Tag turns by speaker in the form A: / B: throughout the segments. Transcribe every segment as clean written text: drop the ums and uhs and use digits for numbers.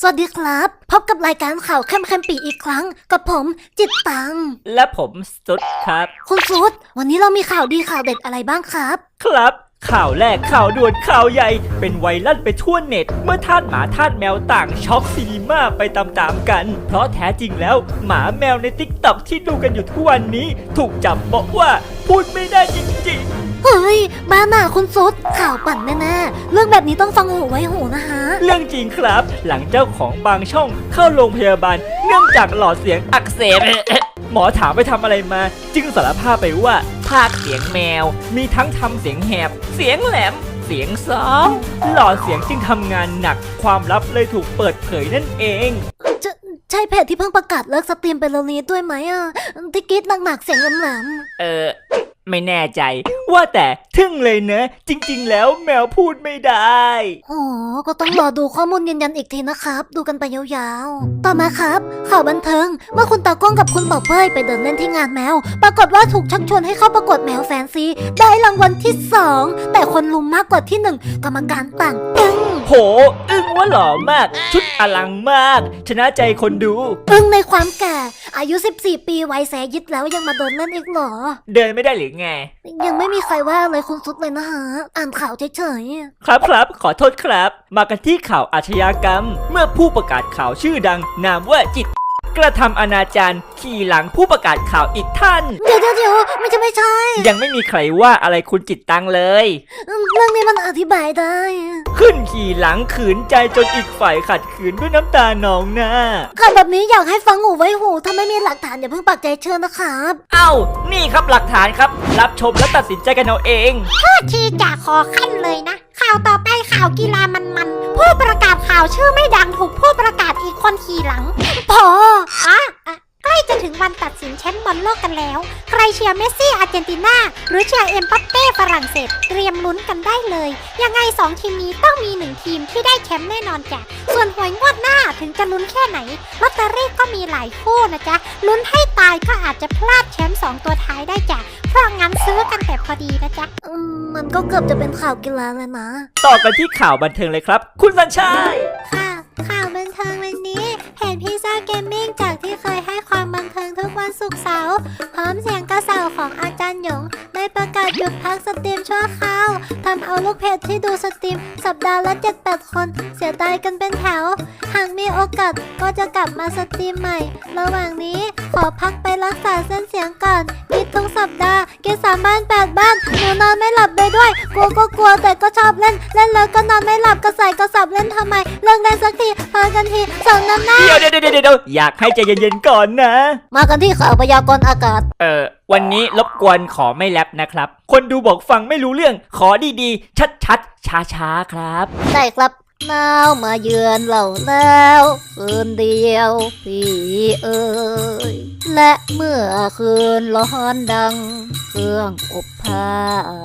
A: วัสดีครับพบกับรายการข่าวเข้มปีอีกครั้งกับผมจิตตัง
B: และผมสุดครับ
A: คุณสุดวันนี้เรามีข่าวดีข่าวเด็ดอะไรบ้างครับ
B: ครับข่าวแรกข่าวด่วนข่าวใหญ่เป็นไวรัลไปทั่วเน็ตเมื่อทาสหมาทาสแมวต่างช็อกซีนีม่าไปตามๆกันเพราะแท้จริงแล้วหมาแมวในติ๊กต็อกที่ดูกันอยู่ทุกวันนี้ถูกจับบอกว่าพูดไม่ได้จริง
A: ๆเฮ้ยบ้าหน่าคุณสุดข่าวปั่นแน่ๆเรื่องแบบนี้ต้องฟังหูไว้หูนะฮะ
B: เรื่องจริงครับหลังเจ้าของบางช่องเข้าโรงพยาบาลเนื่องจากหลอดเสียงอักเสบหมอถามไปทำอะไรมาจึงสารภาพไปว่าพากย์เสียงแมวมีทั้งทำเสียงแหบเสียงแหลมเสียงซ้อมหลอดเสียงจึงทำงานหนักความลับเลยถูกเปิดเผยนั่นเอง
A: ใช่เพจที่เพิ่งประกาศเลิกสตรีมไปแล้วนี้ด้วยไหมที่กรีดหนักๆเสียงแหลม
B: ไม่แน่ใจว่าแต่ทึ่งเลยเนอะจริงๆแล้วแมวพูดไม่ได้
A: โอ้ก็ต้องรอดูข้อมูลยืนยันอีกทีนะครับดูกันไปยาวๆต่อมาครับข่าวบันเทิงเมื่อคุณตากล้องกับคุณบอกเป้ยไปเดินเล่นที่งานแมวปรากฏว่าถูกชักชวนให้เข้าประกวดแมวแฟนซีได้รางวัลที่2แต่คนลุมมากกว่าที่1กรรมการต่างอึ้ง
B: โหอึ้งว่าหล่อมากชุดอลังมากชนะใจคนดู
A: อึ้งในความแก่อายุ14 ปีวัยแสยิดแล้วยังมาเดินเล่นอีกเหรอ
B: เดินไม่ได้หรือไง
A: ยังไม่มีใครว่าเลยคุณสุดเลยนะฮะอ่านข่าวเฉย
B: ๆครับขอโทษครับมากันที่ข่าวอาชญากรรมเมื่อผู้ประกาศข่าวชื่อดังนามว่าจิตกระทำอนาจารขี่หลังผู้ประกาศข่าวอีกท่าน
A: เดี๋ยวไม่ใช่
B: ยังไม่มีใครว่าอะไรคุณจิตตังเลย
A: เรื่องนี้มันอธิบายได้
B: ขึ้นขี่หลังขืนใจจนอีกฝ่ายขัดขืนด้วยน้ำตานองหน้า
A: ข่าวแบบนี้อยากให้ฟังหูไว้หูถ้าไม่มีหลักฐานอย่าเพิ่งปักใจเชื่อนะครับ
B: นี่ครับหลักฐานครับรับชมและตัดสินใจกันเอาเอง
C: โทษทีจะขอขั้นเลยนะข่าวต่อไปข่าวกีฬามันผู้ประกาศข่าวชื่อไม่ดังถูกผู้ประกาศอีกคนขี่หลัง
A: พอ
C: ใกล้จะถึงวันตัดสินแชมป์บอลโลกกันแล้วใครเชียร์เมสซี่อาร์เจนตินาหรือเชียร์เอ็มบัปเป้ฝรั่งเศสเตรียมลุ้นกันได้เลยยังไง2ทีมนี้ต้องมี1ทีมที่ได้แชมป์แน่นอนจ้ะส่วนหวยงวดหน้าถึงจะลุ้นแค่ไหนลอตเตอรี่ก็มีหลายคู่นะจ๊ะลุ้นให้ตายก็อาจจะพลาดแชมป์2ตัวท้ายได้จ้ะเพราะงั้นซื้อกันแต่พอดีนะจ๊ะ
A: มันก็เกือบจะเป็นข่าวกีฬาเลยนะ
B: ต่อกันที่ข่าวบันเทิงเลยครับคุณสัญชัย
C: ข่าวบันเทิงวันนี้เพจพิซซ่าเกมมิ่งจากที่เคยให้ความบันเทิงทุกวันศุกร์เสาร์พร้อมเสียงกระเซาของอาจารย์หยงได้ประกาศหยุดพักสตรีมชั่วคราวทำเอาลูกเพจที่ดูสตรีมสัปดาห์ละ 7-8 คนเสียดายกันเป็นแถวหากมีโอกาสก็จะกลับมาสตรีมใหม่ระหว่างนี้ขอพักไปรักษาเส้นเสียงก่อนกินทุกสัปดาห์กิน3 บ้าน 8 บ้านหนูนอนไม่หลับเลยด้วยกลัวแต่ก็ชอบเล่นแล้วก็นอนไม่หลับกระใส่กระสับเล่นทำไมเลิกได้สักทีพอกันทีสองน้ำหน้า
B: เดี๋ยวอยากให้ใจเย็นๆก่อนนะ
A: มากันที่ข่าวพยากรณ์อากาศ
B: วันนี้รบกวนขอไม่แรปนะครับคนดูบอกฟังไม่รู้เรื่องขอดีๆชัดๆช้าๆครับ
A: ได้ครับหนาวมาเยือนเราแล้วคืนเดียวพี่เอ๋ยและเมื่อคืนร้อนดังเครื่องอบผ้า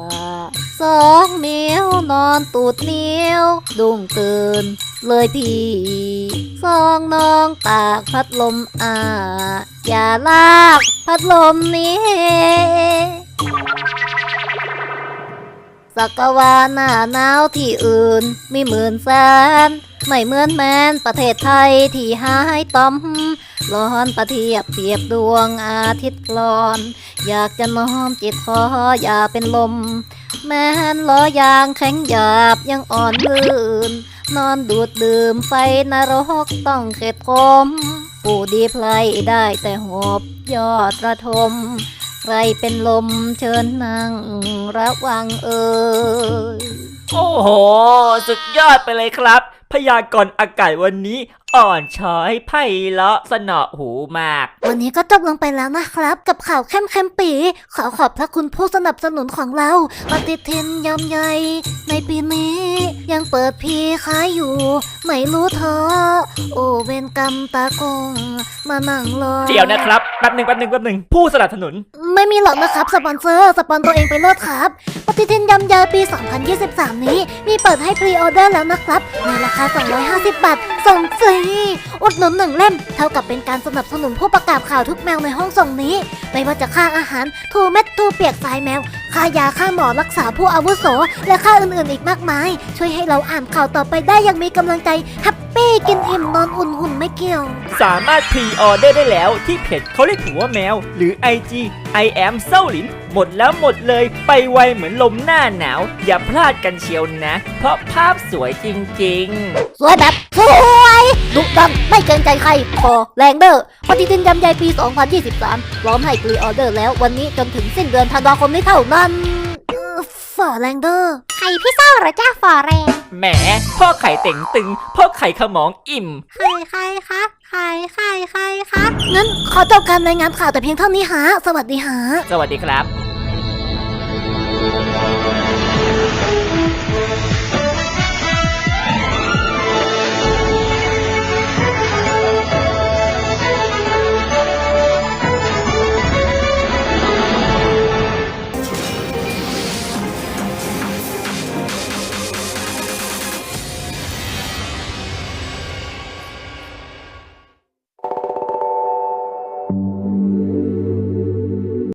A: 2 นิ้วนอนตูดนิ้วดุ้งตื่นเลยพี่2 น้องตากพัดลมอย่าลากพัดลมนี้สักวาหน้าหนาวที่อื่นมี10,000 แสนไม่เหมือนแมนประเทศไทยที่หายต่อมร้อนประเทียบเปรียบดวงอาทิตย์กลอนอยากจะน้อมจิตขออย่าเป็นลมแม้นล้อยางแข็งหยาบยังอ่อนลื่นนอนดูดดื่มไฟนรกต้องเข็ดคมผู้ดีไพลได้แต่หอบยอดระทมใครเป็นลมเชิญนั่งระวัง
B: โอ้โหสุดยอดไปเลยครับพยากรณ์อากาศวันนี้อ่อนช้อยไพเราะสนอหูมาก
A: วันนี้ก็จบลงไปแล้วนะครับกับข่าวเข้มปีขอขอบพระคุณผู้สนับสนุนของเราปฏิทินยำใหญ่ในปีนี้ยังเปิดพีขายอยู่ไม่รู้เธอโอเวนกรรมตากงมานั่งรอ
B: เดี๋ยวนะครับแป๊บหนึ่งผู้สนับสนุน
A: ไม่มีหรอกนะครับสปอนเซอร์สปอนตัวเองไปเลิศครับปฏิทินยำใหญ่ปี 2023 นี้มีเปิดให้พรีออเดอร์แล้วนะครับในราคา250 บาทส่งฟรีอุดหนุน1 เล่มเท่ากับเป็นการสนับสนุนผู้ประกาศข่าวทุกแมวในห้องส่งนี้ไม่ว่าจะค่าอาหารทูเม็ดทูเปียกสายแมวค่ายาค่าหมอรักษาผู้อาวุโสและค่าอื่นๆอีกมากมายช่วยให้เราอ่านข่าวต่อไปได้อย่างมีกำลังใจแฮปปี้กินอิ่มนอนอุ่นหุ่นไม่เกี่ยว
B: สามารถพรีออเดอร์ได้แล้วที่เพจเขาเรียกผัวแมว หรือ IG I am เศร้าหลินหมดแล้วหมดเลยไปไวเหมือนลมหน้าหนาว อย่าพลาดกันเชียวนะ เพราะภาพสวยจริงๆ
A: สวยแบบสวยดุดันไม่เกรงใจใครพอแรงเดอร์ปฏิทินยำใหญ่ปี 2023 พร้อมให้พรีออเดอร์แล้ววันนี้จนถึงสิ้นเดือนธันวาคมนี้เท่านั้นฝอแรงเดอร์
C: ไข่พี่เศร้าเหรอจ้าฝอแรง
B: แหมพ่อไข่เต่งตึง พ่อไข่ขมองอิ่ม
C: ไข่ใครคะไข่ไข่ใครคะ
A: งั้นขอจบการรายงานข่าวแต่เพียงเท่านี้ฮะสวัสดีฮะ
B: สวัสดีครับ